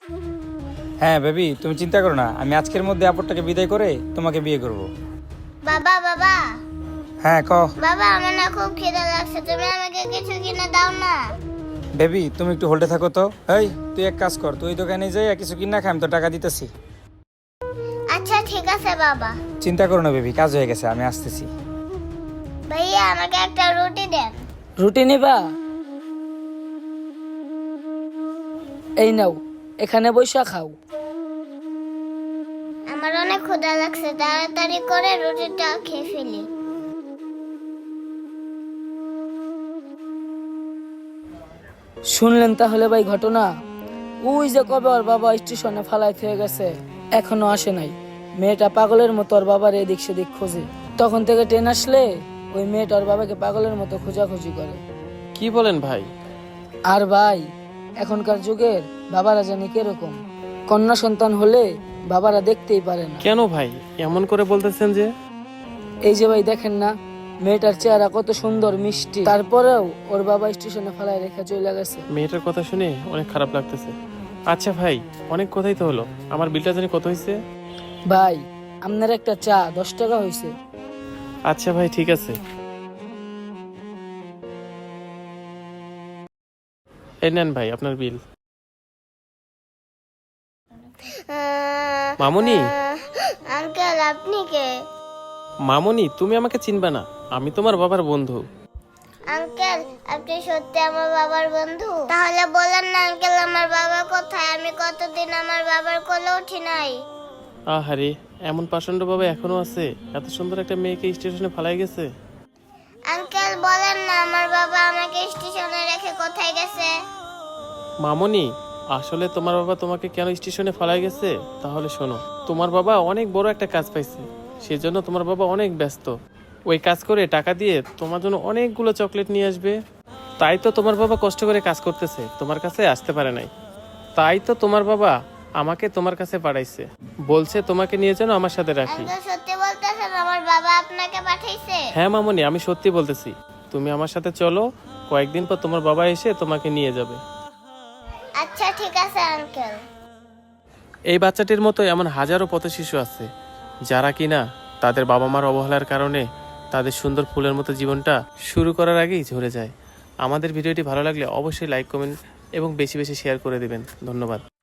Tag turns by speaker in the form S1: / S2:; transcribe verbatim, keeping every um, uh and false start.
S1: হ্যাঁ বেবি, তুমি চিন্তা করো না, আমি আজকের মধ্যে আপরটাকে বিদায় করে তোমাকে বিয়ে করব।
S2: বাবা বাবা
S1: হ্যাঁ ক।
S2: বাবা, আমার না খুব খিদে লাগছে, তুমি আমাকে কিছু কিনে দাও না।
S1: বেবি তুমি একটু হোল্ডে থাকো তো। এই তুই এক কাজ কর, তুই দোকানে যাই কিছু কিনা খাই, আমি তো টাকা দিতেছি।
S2: আচ্ছা ঠিক আছে বাবা।
S1: চিন্তা করো না বেবি, কাজ হয়ে গেছে, আমি আসতেছি।
S2: ভাইয়া আমাকে একটা রুটি দেন।
S3: রুটি নিবা? এই নাও, এখানে বইসা খাও।
S2: আমার অনেক ক্ষুধা লাগছে, তাড়াতাড়ি করে রুটিটা খেয়ে ফেলি।
S3: শুনলেন তাহলে ভাই ঘটনা? ওই যে কবে ওর বাবা স্টেশনে ফালাই হয়ে গেছে, এখনো আসে নাই। মেয়েটা পাগলের মতো ওর বাবার এদিক সেদিক খোঁজে। তখন থেকে ট্রেন আসলে ওই মেয়েটা ওর বাবাকে পাগলের মতো খোঁজাখুঁজি করে।
S4: কি বলেন ভাই?
S3: আর ভাই, এখনকার যুগের বাবারা জানি কিরকম, কন্যা সন্তান হলে বাবারা দেখতেই পারে না।
S4: কেন ভাই এমন করে বলতেছেন যে?
S3: এই যে ভাই দেখেন না, মেয়েটার চেহারা কত সুন্দর মিষ্টি, তারপরেও ওর বাবা স্টেশনে ফেলায় রেখে চলে গেছে।
S4: মেয়েটার কথা শুনে অনেক খারাপ লাগতেছে। আচ্ছা ভাই, অনেক কথাই তো হলো, আমার বিলটা জানি কত হয়েছে?
S3: ভাই আপনার একটা চা দশ টাকা হয়েছে।
S4: আচ্ছা ভাই ঠিক আছে। এই নেন ভাই আপনার বিল। মামুনি।
S2: আঙ্কেল আপনি কে?
S4: মামুনি, তুমি আমাকে চিনবে না, আমি তোমার বাবার বন্ধু।
S2: আঙ্কেল আপনি সত্যি আমার বাবার বন্ধু? তাহলে বলেন না আঙ্কেল, আমার বাবা কোথায়? আমি কতদিন আমার বাবার কোলে উঠি নাই।
S4: আহারে, এমন পাষণ্ড বাবা এখনো আছে? এত সুন্দর একটা মেয়েকে স্টেশনে ফালাই গেছে।
S2: আঙ্কেল বলেন না আমার বাবা আমাকে স্টেশনে রেখে কোথায় গেছে?
S4: মামুনি, আসলে তোমার বাবা তোমাকে কেন স্টেশনে ফালাই গেছে তাহলে শোনো। তোমার বাবা অনেক বড় একটা কাজ পাইছে, সেজন্য তোমার বাবা অনেক ব্যস্ত। ওই কাজ করে টাকা দিয়ে তোমার জন্য অনেকগুলো চকলেট নিয়ে আসবে। তাই তো তোমার বাবা কষ্ট করে কাজ করতেছে, তোমার কাছে আসতে পারে নাই। তাই তো তোমার বাবা আমাকে তোমার কাছে পাঠাইছে, বলছে তোমাকে নিয়ে যেন আমার সাথে রাখি।
S2: আঙ্কেল সত্যি বলতেছেন আমার বাবা আপনাকে পাঠাইছে?
S4: হ্যাঁ মামুনি, আমি সত্যি বলতেছি। তুমি আমার সাথে চলো, কয়েকদিন পর তোমার বাবা এসে তোমাকে নিয়ে যাবে।
S2: আচ্ছা ঠিক আছে আঙ্কেল।
S4: এই বাচ্চাটির মতো এমন হাজারো পথ শিশু আছে যারা কিনা তাদের বাবা মার অবহেলার কারণে তাদের সুন্দর ফুলের মতো জীবনটা শুরু করার আগেই ঝরে যায়। আমাদের ভিডিওটি ভালো লাগলে অবশ্যই লাইক, কমেন্ট এবং বেশি বেশি শেয়ার করে দিবেন। ধন্যবাদ।